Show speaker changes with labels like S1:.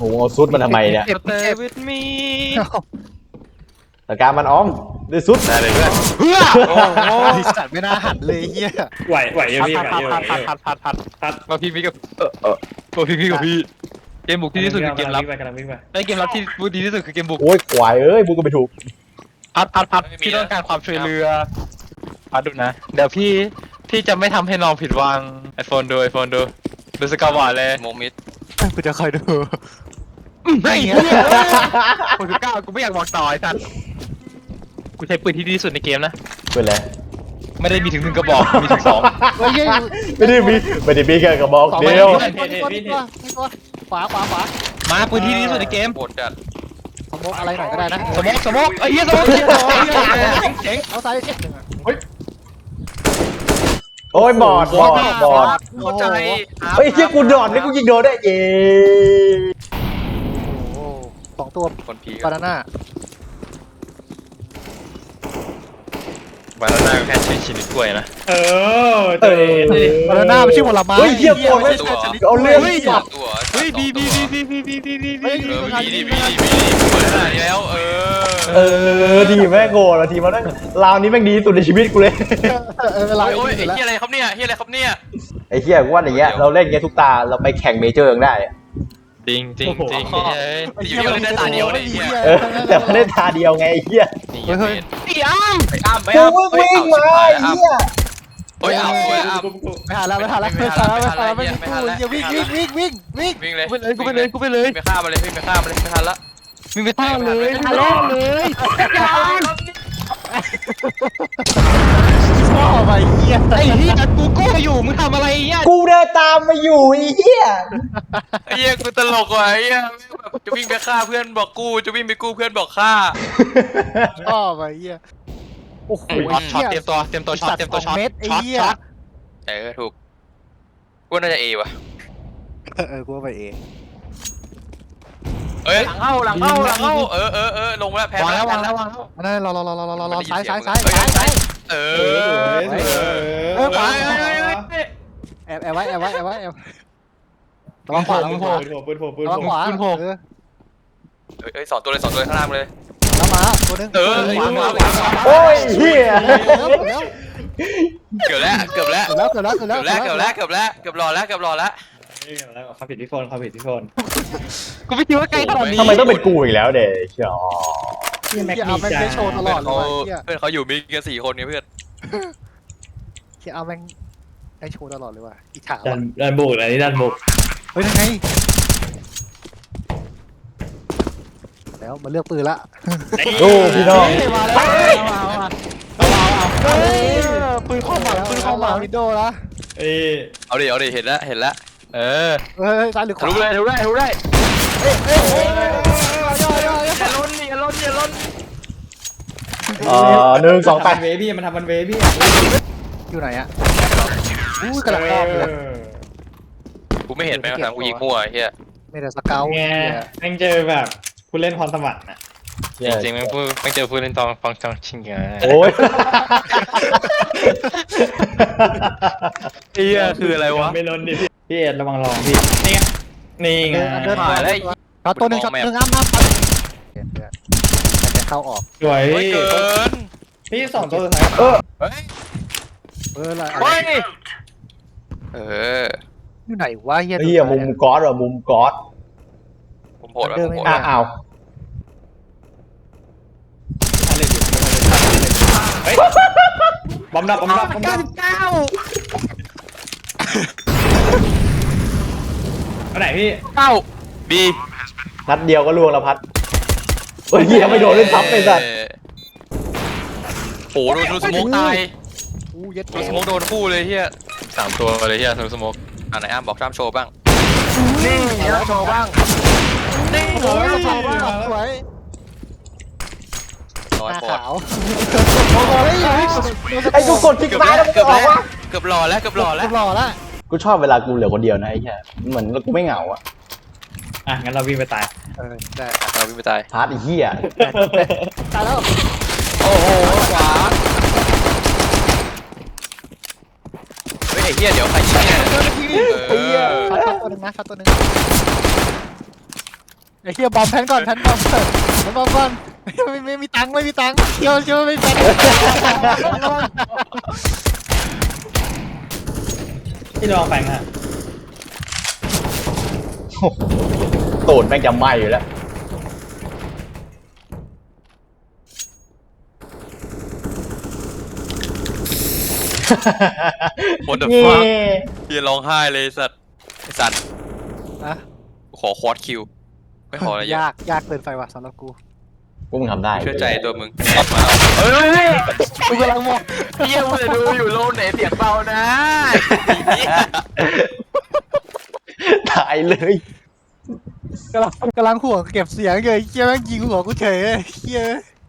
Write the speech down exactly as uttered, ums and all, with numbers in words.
S1: โอ้โหซุดมันทำไมเนี่ย
S2: Stay with me
S1: แต่การมันอ้อมด้วยซุด
S2: ได้เลยเพื่อนเพื่อโอ้โห
S3: ไอ้สัตว์ไม่น่าหันเลยเฮีย
S4: ไหวไหวเยอะพี่ไหว
S2: พัด
S4: เยอะ
S2: พัดพัดพัดพัดพัดมาพี่พี่กับเออเออมาพี่พี่กับพี่เกมบุกที่ที่สุดคือเกมรับ
S4: ไปกำลังวิ่งไป
S2: ไอเกมรับที่ดีที่สุดคือเกมบุก
S1: โอ้ยควายเอ้ยบุกก็ไปถูก
S2: พัดพัดพัดพี่ต้องการความช่วยเหลือพัดดูนะเดี๋ยวพี่พี่จะไม่ทำให้น้องผิดหวังไอโฟนดูไอโฟนดูดูสกาวาเลยโมมิด
S3: กูจะคอยดู
S2: ไม่เงี้ยคนที่เก้ากูไม่อยากบอกต่อไอ้สัตว์กูใช้ปืนที่ดีที่สุดในเกมนะ
S1: เป็นไร
S2: ไม่ได้มีถึงหนึ่งกระบอกมีถึงสอง
S3: เฮ้ย
S1: ไม่ได้มีไม่ได้มีแค่กระบอกเดียว
S3: ตัวตัวตัวตัวขวาขวาขวา
S2: มาปืนที่ดีที่สุดในเกม
S4: โหดจัด
S3: สมมติอะไรหน่อยก็ได้นะ
S2: สมกสมกไอ้เหี้ยสมกเหี้ยเจ๋ง
S3: เอาซ้าย
S1: โอ้ยบอดบอดบอด
S2: เข้าใจ
S1: เฮ้ยเชี่ยกูโดดนี่กูยิงโดนได้เย้
S3: โอ้สองตัว
S2: คนผี
S3: บานาน่า
S2: บานาน่าแค่ชิ้นชิ้นกล้วยนะ
S4: เออเตะดิ
S3: บานาน่าไม่ใช่ผลไม้
S1: เฮ้ยเชี่ยโกรธไม่เอาเรื่องสัตว์
S4: ตัว
S2: เฮ้ยบีบีบีบีบีบีบีบีบี
S4: เออบีดีบีดีบีดีเปิดขนาดนี้แล้วเออ
S1: เออดีแม่งโกรธอะทีมันนั่งราวนี้แม่งดีที่สุดในชีวิตกูเลย
S3: เออเวลา
S4: โอ้ย
S3: อ
S4: ไอ้
S3: ยู่แล้ว
S4: เฮียอะไรครับเนี่ยเฮียอะไรครับเนี่ย
S1: ไอ้เหี้ยกูว่าอย่างเงี้ยเราเล่นเงี้ยทุกตาเราไปแข่งเมเจอร์ยังได้อะ
S2: จริงจริงจริง
S4: อยู่เดียวได้ตาเดียวเลยเฮีย
S1: เออแต่มันเล่นตาเดียวไงไอ้เหี้ย
S4: นี่
S3: เฮ้ย
S2: ไอ้อ้าม
S4: ไปอ้ามไป
S1: กู
S4: อ้าม
S1: วิ่งวิ่งมาไอ้เหี้ย
S4: โอ้ยอ้ามโอ้ยอ้าม
S3: ไม่ทันแล้วไม่ทันแล้วไม่ทันแล้วไม่ทันแล้วไม่มีตู้อย่าวิ่งวิ่งวิ่งวิ่งวิ่ง
S4: วิ่งเลย
S2: กูไปเลยกูไปเลยกูไปเลย
S4: ไปฆ่ามันเลยวิ่งไปฆ่ามันเลยไม่ทันละ
S2: มึงไปท่าเลยท่าแล้วเลย
S3: ชอบไปเฮีย
S2: ไอ้ที่จัดกูกู้อยู่มึงทำอะไรเนี่ย
S1: กูเดินตามมาอยู่ไอ้เหี้ย
S4: ไอ้เฮียกูตลกว่ะไอ้เฮียจะวิ่งไปฆ่าเพื่อนบอกกู้จะวิ่งไปกู้เพื่อนบอกฆ่า
S3: ชอบไปเฮียโอ้โห
S2: ช็อตเตรียมตัวเตรียมตัวช็อตเตรียมตัวช็อต
S3: เม็ดไอ้
S2: ช็อต
S3: เหี้ย
S2: ช็อต
S4: เออถูกกูน่าจะเอว่ะ
S3: เออกูว่าไปเอง
S4: เอ้ยหลังเข้าหลังเข้าหลังเข้าเออเออเออลงแล้วแพ้
S2: วางแล้ววาง
S4: แล้
S2: แล้ว ววางแล้ว
S3: นั่นรอรอรอรอรอรอซ้ายซ้ายซ้ายซ้าย
S4: เออ
S3: เออขวา
S4: เฮ้ย
S3: แอบแอบไว้แอบไว้แอบไว้แอบระวังขวาระวังขวา
S4: ปืนโผล่ปืน
S3: ระวัง
S4: โผล่
S3: ขวาเออ
S4: เอ้ยสองตัวเลยสองตัวเลยข้างล่างเลย
S3: แล้วมาตัวนึง
S4: เออ
S3: ขวาขวาขวา
S1: โอ้ยเหี้ย
S3: แล้ว
S4: เกือบแล้วเกือบแล้ว
S3: แล้วเกือบแล้วเกือบ
S4: เกื
S3: แล้ว
S4: อบแล้วเกือบแล้วเกือบแล้วเกือบรอแล้วเกือบรอแล้ว
S5: แล้วความผิดที่โฟนความผิดที่โฟน
S2: กูไม่คิดว่าไกลขนาดนี้
S1: ทำไมต้องเป็นกูอีกแล้วเด็กเชียว
S3: ที่แม็กเอาแม็กได้โชว์ตลอดเล
S4: เขา
S3: ยเฮีย
S4: เพื่อนเขาอยู่มีกันสี่คนไงเพื่อน
S3: ที่เอาแม็กได้โชว์ตลอดเลยว่ะอีฉา
S5: ดันดันบุกอันนี้ดันบุก
S3: เฮ้ยยังไงแล้วมาเลือกปืนละ
S1: ดูพี่น้อง
S3: มาแล้วมามาปืนเข้ามาปืนเข้ามาวินโดว์ละ
S5: เอ้ย
S4: เอาดิเอาดิเห็นแล้วเห็นแล้ว
S2: เออ
S3: เฮ้ยซ้ายหรือขวา
S4: รู้เลยรู้ได้รู้ได้
S3: ย่อย่อย่อ
S4: อย่าล้นอย่าล้นอย่าล้น
S1: เอ่อหนึ่งสองแปด
S5: ทำมันเวพี่มันทำมันเวพี่
S3: อยู่ไหนอะอู้กระดับรอบเลย
S4: กูไม่เห็นไหมทางกูยิงมั่วไอ้เฮีย
S3: ไม่แต่สเกล
S5: ไงแม่งเจอแบบผู้เล่นพรสวรรค์อ่ะ
S2: จริงๆมันพูดมันเจอพูดเล่นตองฟังจังชิงไง
S1: โอ้ย
S4: เฮียคืออะไรวะ
S5: ไม่ล้นดิพี่พี่เอ็ดระวังรองพี่นี่ไงนี่ไง
S3: เดินผ่านแล้วช็อตตัวหนึ่งช็อตหนึ่งอ้ำอ้ำมันจะเข้าออก
S5: สวย
S4: เฮ้ยเกิน
S5: พี่สองตัวสุดท้าย
S1: เออ
S4: เฮ้ย
S3: เอออะไร
S4: เฮ้ยเออ
S3: อยู่ไหนวะเฮีย
S1: เหี้ยมุมก๊อตเหรอมุมก๊อต
S4: ผมโหดว่ะผมโหด
S1: อ้า
S4: ว่ะ
S1: อ้าว
S5: เฮ้ยบอมดับบอมดับบอมดับอันไหนพี่
S4: เก้าบี
S1: นัดเดียวก็ล่วงแล้วพัดเฮ้ยเหี้ยไม่โดนเล่นทับไปสัตว์
S4: โอ้โหโดนสโมกตาย
S3: อู้เย็ด
S4: โดนสโมกโดนคู่เลยเฮีย
S2: สามตัวเลยเฮียสโมก
S4: อ่ะไหนอ้ามบอกจ้ามโชว์บ้าง
S3: นี่แล้วโชว์บ้างนี่โอ้ยโชว์บ้างสวย
S4: ร้อย
S3: ตา
S4: ปอด
S3: ขาวโอ้โห
S1: ไอ้กูกดคลิกซ้ายแล้วมัน
S4: เกื
S1: ก็
S4: อบ
S1: ออ
S4: แล้
S1: ก
S4: ว
S1: วะ
S4: เกือบรอแล้วเกือบรอแล้ว
S3: หล่อละ
S1: กูชอบเวลากูเหลือคนเดียวนะไอ้เหี้ยเหมือนกูไม่เหงาอะ
S5: อ่ะงั้นเราวิ่งไปตาย
S3: เออได้
S4: เราวิ่งไปตาย
S1: พาร์ทไอ้เหี้ย
S3: ตายแล้ว
S4: โอ้โหขวาเฮ้ยไอ้เฮียเดี๋ยวใครยิงเนี่ยเออ
S3: ช็อตตัวหนึ่งนะช็อตตัวหนึ่งไอ้เหี้ยบอมแพนก่อนแพนบอมก่อนแพนบอมก่อนไม่ไม่มีตังค์ไม่มีตังค์เชี่ยวเชี่ยวไม่มีตังค์
S5: พี่ลองแฟงฮะ
S1: ตูดแม่งจะไหม้อยู่แล้ว
S4: โอ้เดอะ
S1: เย้
S4: ฟักพี่ร้องไห้เลยสัตว์ไอสัตว์
S3: นะ
S4: ขอควอดคิวไม่ขออะไรเยอะ
S3: ยากยากเกินไปว่ะสำหรับกู
S1: พวกมึงทำได้
S4: เชื่อใจตัวมึงมาเฮ้ย
S3: กูกำลังมอง
S4: เฮียมึงจะดูอยู่โลกไหนเสียงเบานะ
S1: ตายเลย
S3: กำลังกำลังหัวเก็บเสียงเลยเชี่ยแม่งยิงหัวกูเฉยเชี่ย